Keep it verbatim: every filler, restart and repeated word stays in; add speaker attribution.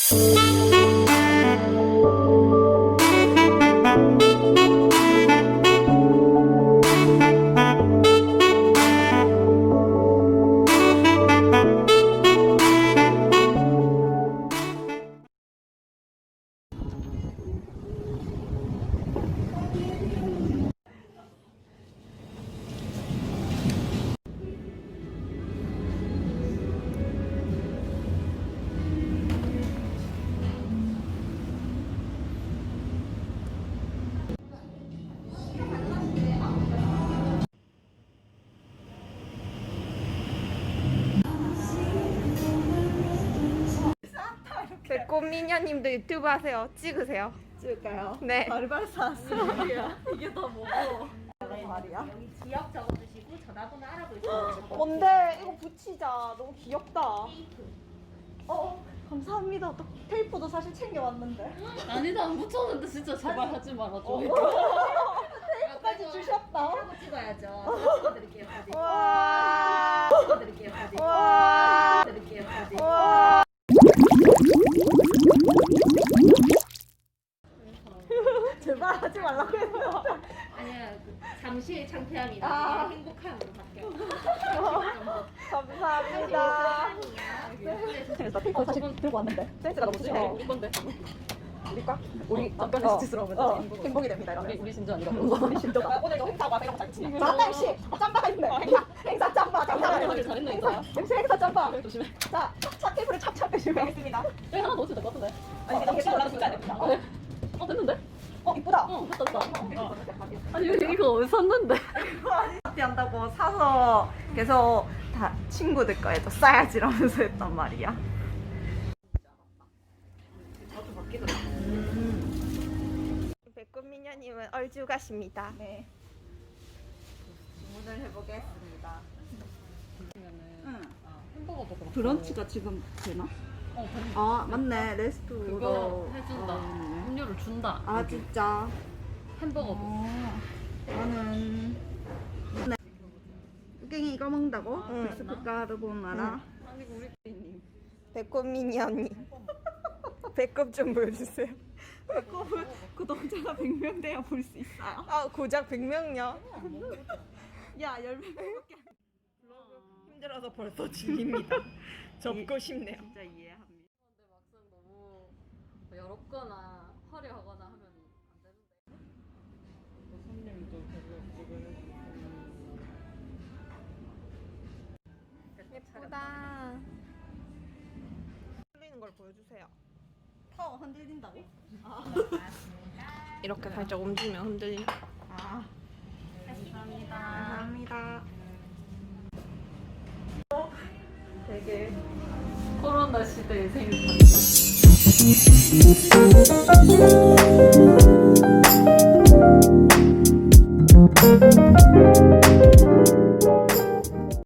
Speaker 1: 배꼽미녀님도 유튜브 하세요. 찍으세요.
Speaker 2: 찍을까요?
Speaker 1: 네.
Speaker 2: 바리바리 사왔어. 이게 더 뭐고? 말이야?
Speaker 3: 여기 지역 적어주시고 전화번호 알아보시고.
Speaker 2: 뭔데? 이거 붙이자. 너무 귀엽다. 어, 어, 감사합니다. 또 테이프도 사실 챙겨왔는데.
Speaker 4: 아니 나 안 붙였는데 진짜 제발 하지 말아줘.
Speaker 2: 어. 테이프까지 주셨다.
Speaker 3: 하고 찍어야죠. 찍어드릴게요. 사진.
Speaker 1: 와.
Speaker 3: 찍어드릴게요. 사진.
Speaker 1: 와.
Speaker 3: 찍어드릴게요. 사진.
Speaker 1: 와.
Speaker 2: 제발 하지 말라고 했어.
Speaker 3: 아니야, 그 잠시의 창피함이
Speaker 2: 아.
Speaker 3: 나중에 행복함으로 바뀌어.
Speaker 1: 감사합니다.
Speaker 2: 나 테이프 사실 들고 왔는데 센스가 너무 좋네.
Speaker 4: 이건데
Speaker 2: 우리과? 우리
Speaker 4: 어,
Speaker 2: 잠깐
Speaker 4: 어,
Speaker 2: 수치스러우면
Speaker 4: 어.
Speaker 2: 행복이 됩니다. 이러면.
Speaker 4: 우리 우리 진짜 아니라.
Speaker 2: 우리 진짜다. 오늘 너 행사가 내가 잘 치냐? 잘한다 씨. 짬바가 있네. 행사 행사 짬바 짬바.
Speaker 4: 잘했네, 잘했네, 행사야.
Speaker 2: 역시 행사 짬바.
Speaker 4: 조심해.
Speaker 2: 자, 차 테이프를 찹찹 해주겠습니다.
Speaker 4: 여기 하나 넣어도 될 것 같은데.
Speaker 2: 아니 이게 너무 올라가서 안 됩니다.
Speaker 4: 어, 네. 어 됐는데?
Speaker 2: 어 이쁘다.
Speaker 4: 어 됐다 됐다. 아니 여기 이거 어디서 샀는데?
Speaker 2: 파티 한다고 사서 계속 다 친구들 거에도 싸야지 이러면서 했단 말이야.
Speaker 1: 배꼽미녀님은 얼주가십니다.
Speaker 2: 네. 주문을 해보겠습니다. 응.
Speaker 4: 햄버거도 그렇고.
Speaker 2: 브런치가 지금 되나?
Speaker 4: 어 뱀-
Speaker 2: 아 맞네 레스토랑.
Speaker 4: 그거 해준다.
Speaker 2: 아,
Speaker 4: 음료를 준다.
Speaker 2: 아
Speaker 4: 여기.
Speaker 2: 진짜.
Speaker 4: 햄버거도.
Speaker 2: 어, 나는 네. 깽이 이거 먹는다고?
Speaker 1: 응.
Speaker 2: 빅스프 까르보나라.
Speaker 4: 아니 우리
Speaker 1: 배꼽미녀님. 배꼽 좀 보여주세요.
Speaker 2: 배꼽을 구독자가 백 명 돼야 볼 수 있어요.
Speaker 1: 아 고작 백 명요.
Speaker 2: 야 열 명밖에 안
Speaker 1: 힘들어서 벌써 질립니다. 접고 싶네요.
Speaker 2: 진짜 이해합니다.
Speaker 4: 근데 막상 너무 여롭거나 화려하거나 하면 안 되는데. 손님도
Speaker 1: 예쁘다. 흘리는 걸 보여주세요.
Speaker 2: 타워 흔들린다고?
Speaker 1: 이렇게 살짝 움직이면 흔들리.
Speaker 2: 아
Speaker 4: 감사합니다.
Speaker 2: 감사합니다. 되게
Speaker 4: 코로나 시대의 생일 파티.